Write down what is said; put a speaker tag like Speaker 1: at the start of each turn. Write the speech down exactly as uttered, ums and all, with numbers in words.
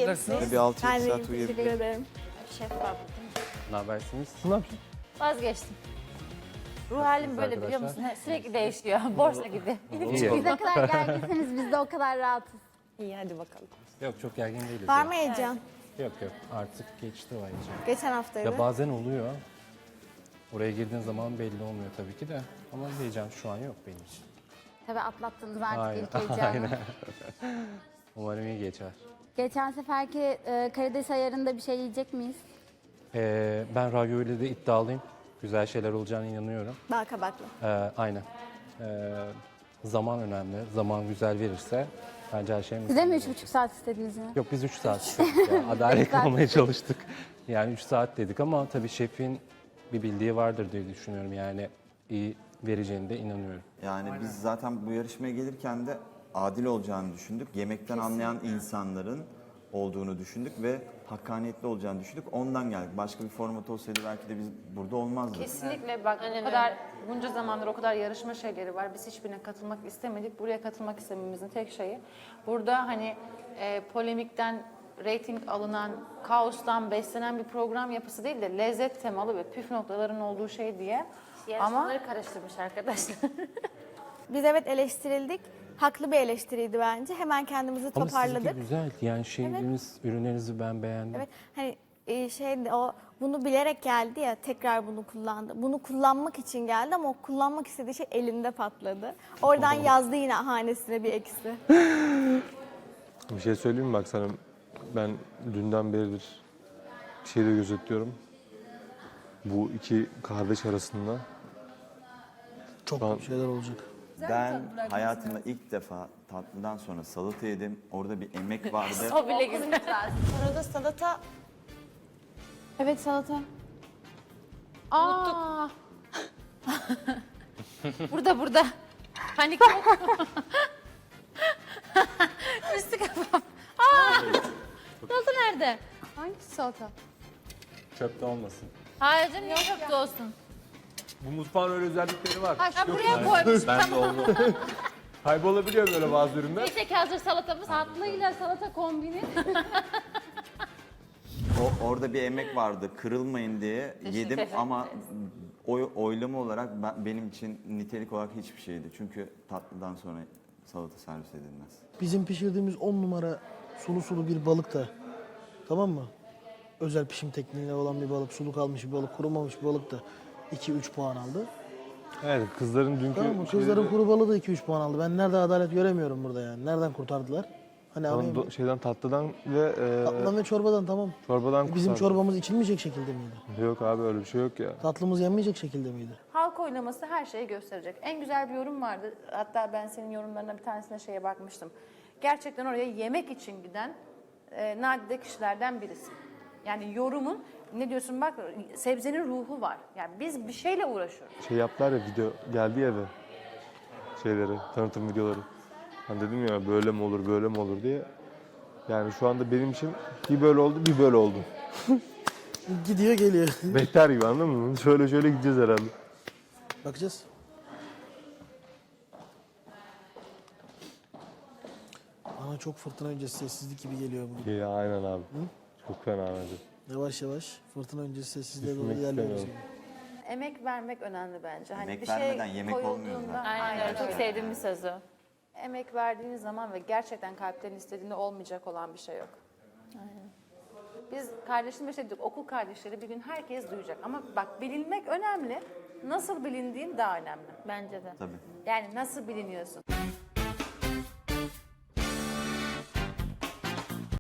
Speaker 1: Nasılsınız?
Speaker 2: Bir altı
Speaker 3: Ben
Speaker 2: yedi
Speaker 3: de
Speaker 2: saat
Speaker 3: teşekkür
Speaker 2: uyuyabilirim.
Speaker 3: ederim.
Speaker 4: Şef var.
Speaker 1: Ne habersiniz?
Speaker 2: Ne yapıyorsun?
Speaker 4: Vazgeçtim. Ruh halim böyle biliyor musun? Sürekli değişiyor. Borsa gibi.
Speaker 1: İyi.
Speaker 5: Biz ne kadar gerginseniz biz de o kadar rahatız.
Speaker 3: İyi hadi bakalım.
Speaker 1: Yok çok gergin değiliz.
Speaker 3: Var
Speaker 1: ya.
Speaker 3: mı heyecan?
Speaker 1: Yok yok artık geçti o heyecan.
Speaker 3: Geçen haftaydı.
Speaker 1: Ya bazen oluyor. Oraya girdiğin zaman belli olmuyor tabii ki de. Ama heyecan şu an yok benim için.
Speaker 5: Tabii atlattınız artık
Speaker 1: Aynen.
Speaker 5: ilk heyecanı.
Speaker 1: Aynen. Umarım iyi geçer.
Speaker 5: Geçen seferki e, karides ayarında bir şey yiyecek miyiz?
Speaker 1: Ee, ben ravioli'de de iddialıyım. Güzel şeyler olacağına inanıyorum.
Speaker 3: Bal kabaklı.
Speaker 1: Ee, aynen. Ee, zaman önemli. Zaman güzel verirse bence her şey
Speaker 5: Size mi
Speaker 1: mükemmel
Speaker 5: üç
Speaker 1: olur.
Speaker 5: buçuk saat istediniz ya?
Speaker 1: Yok biz üç saat istedik ya. Adalet kalmaya çalıştık. Yani üç saat dedik ama tabii şefin bir bildiği vardır diye düşünüyorum. Yani iyi vereceğine de inanıyorum.
Speaker 2: Yani biz zaten bu yarışmaya gelirken de adil olacağını düşündük. Yemekten anlayan insanların olduğunu düşündük ve hakkaniyetli olacağını düşündük. Ondan geldik. Başka bir format olsaydı belki de biz burada olmazdık.
Speaker 6: Kesinlikle bak o kadar bunca zamandır o kadar yarışma şeyleri var. Biz hiçbirine katılmak istemedik. Buraya katılmak istememizin tek şeyi burada hani e, polemikten reyting alınan, kaostan beslenen bir program yapısı değil de lezzet temalı ve püf noktaların olduğu şey diye. Ama
Speaker 4: Yarışmaları karıştırmış arkadaşlar.
Speaker 3: Biz evet eleştirildik. Haklı bir eleştiriydi bence. Hemen kendimizi
Speaker 1: Ama
Speaker 3: toparladık.
Speaker 1: sizinki güzel. Yani şeyleriniz, ürünlerinizi ben beğendim.
Speaker 3: Evet. Hani e, şey o bunu bilerek geldi ya tekrar bunu kullandı. Bunu kullanmak için geldi ama o kullanmak istediği şey elinde patladı. Oradan yazdı yine hanesine bir eksi.
Speaker 7: Bir şey söyleyeyim mi bak sana? Ben dünden beridir bir şey de gözetliyorum. Bu iki kardeş arasında
Speaker 8: Çok
Speaker 7: Şu an-
Speaker 8: kötü şeyler olacak.
Speaker 2: Ben hayatımda ilk defa tatlıdan sonra salata yedim. Orada bir emek vardı.
Speaker 6: o bile güzel.
Speaker 3: Orada salata
Speaker 5: Evet salata.
Speaker 4: Aa. burada burada. Panik yok. Üstü kafam. Aa. Salata nerede? Hangisi salata?
Speaker 7: çöpte olmasın.
Speaker 4: Hayır canım niye çöpte olsun?
Speaker 7: Bu mutfağın öyle özellikleri var.
Speaker 4: Ha buraya koymuş.
Speaker 2: Ben de oldu.
Speaker 7: Kaybolabiliyor böyle bazı ürünler.
Speaker 4: Neyse ki hazır salatamız. Tatlıyla salata kombini.
Speaker 2: O, orada bir emek vardı. Kırılmayın diye yedim
Speaker 6: ederim.
Speaker 2: ama oy, oylama olarak ben, benim için nitelik olarak hiçbir şeydi. Çünkü tatlıdan sonra salata servis edilmez.
Speaker 8: Bizim pişirdiğimiz on numara sulu sulu bir balık da, tamam mı? Özel pişim tekniğiyle olan bir balık, sulu kalmış bir balık, kurumamış bir balık da iki üç puan aldı.
Speaker 7: Evet kızların dünkü
Speaker 8: Tamam mı?
Speaker 7: şeyleri-
Speaker 8: Kızların kuru balığı da iki üç puan aldı. Ben nerede adalet göremiyorum burada yani. Nereden kurtardılar? Hani
Speaker 7: Tamam,
Speaker 8: anlayayım.
Speaker 7: do- şeyden tatlıdan ve e,
Speaker 8: Tatlıdan ve çorbadan tamam.
Speaker 7: çorbadan
Speaker 8: E, Bizim
Speaker 7: kurtardı.
Speaker 8: çorbamız içilmeyecek şekilde miydi?
Speaker 7: Yok abi öyle bir şey yok ya.
Speaker 8: Tatlımız yenmeyecek şekilde miydi?
Speaker 6: Halk oylaması her şeyi gösterecek. En güzel bir yorum vardı. Hatta ben senin yorumlarına bir tanesine şeye bakmıştım. Gerçekten oraya yemek için giden e, nadide kişilerden birisi. Yani yorumun ne diyorsun bak sebzenin ruhu var. Yani biz bir şeyle uğraşıyoruz.
Speaker 7: Şey yaptılar ya video geldi ya eve. Şeyleri, tanıtım videoları. Hani dedim ya böyle mi olur böyle mi olur diye. Yani şu anda benim için bir böyle oldu bir böyle oldu.
Speaker 8: Gidiyor geliyor.
Speaker 7: Beter gibi anladın mı? Şöyle şöyle gideceğiz herhalde.
Speaker 8: Bakacağız. Bana çok fırtına öncesi sessizlik gibi geliyor bugün.
Speaker 7: Ya aynen abi. Çok fena bence.
Speaker 8: Yavaş yavaş fırtına öncesi sessizliğe doğru
Speaker 7: Düşünmek
Speaker 8: ilerliyoruz.
Speaker 7: istemiyorum.
Speaker 6: Emek vermek önemli bence. Hani
Speaker 2: Emek
Speaker 6: bir şey
Speaker 2: vermeden yemek olmuyor
Speaker 6: koyulduğunda-
Speaker 2: zaten.
Speaker 4: Aynen öyle. Çok sevdiğim bir söz o.
Speaker 6: Emek verdiğiniz zaman ve gerçekten kalpten istediğinde olmayacak olan bir şey yok. Biz kardeşimle şey dedik, okul kardeşleri bir gün herkes duyacak. Ama bak bilinmek önemli. Nasıl bilindiğin daha önemli.
Speaker 4: Bence de.
Speaker 2: Tabii.
Speaker 6: Yani nasıl biliniyorsun?